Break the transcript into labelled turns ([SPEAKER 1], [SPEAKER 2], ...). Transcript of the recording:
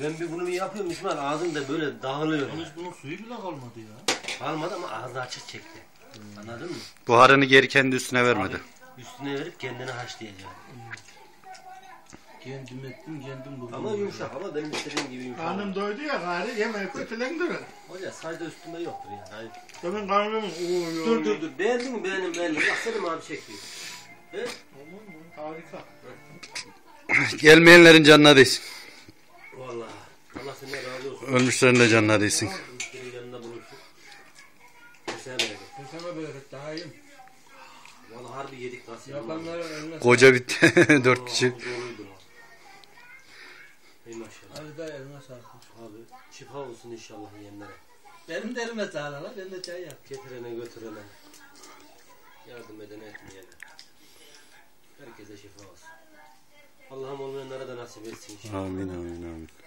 [SPEAKER 1] Ben bunu bir yapıyorum İsmail, ağzımda böyle dağılıyor.
[SPEAKER 2] Yalnız bunun suyu bile kalmadı ya.
[SPEAKER 1] Kalmadı ama ağzı açık çekti. Anladın mı?
[SPEAKER 3] Buharını geri kendi üstüne vermedi.
[SPEAKER 1] Abi, üstüne verip kendini haşlayacağım.
[SPEAKER 2] Kendim ettim, kendim buldum.
[SPEAKER 1] Ama yumuşak, ama benim istediğim gibi yumuşak.
[SPEAKER 4] Karnım doydu ya gari yemeği kötülendir.
[SPEAKER 1] Hoca sayda üstünde yoktur yani.
[SPEAKER 4] Benim karnım
[SPEAKER 1] Dur. Beğendin mi? Beğendim. Bak Selim abi çekiyor. He?
[SPEAKER 4] Harika.
[SPEAKER 3] Gelmeyenlerin canına değsin.
[SPEAKER 1] Vallahi. Allah senden razı olsun.
[SPEAKER 3] Ölmüşlerin de canına değsin.
[SPEAKER 1] Ölmüşlerin yanında bulunsun. Kesene bereket.
[SPEAKER 2] Kesene bereket daha iyi.
[SPEAKER 1] Vallahi harbi yedik nasıl.
[SPEAKER 2] Yapanlara eline
[SPEAKER 3] Koca bitti. 4 kişi.
[SPEAKER 1] Zoruydu lan. Ey maşallah.
[SPEAKER 2] Hadi da eline sağlık.
[SPEAKER 1] Abi şifa olsun inşallah yiyenlere.
[SPEAKER 2] Benim de elime sağlık lan. Ben de çay yap.
[SPEAKER 1] Getirene götürene. Yardım edene etmeyene. Herkese şifa olsun. Allah'ım olmayanlara da nasip etsin inşallah.
[SPEAKER 3] Amin amin amin.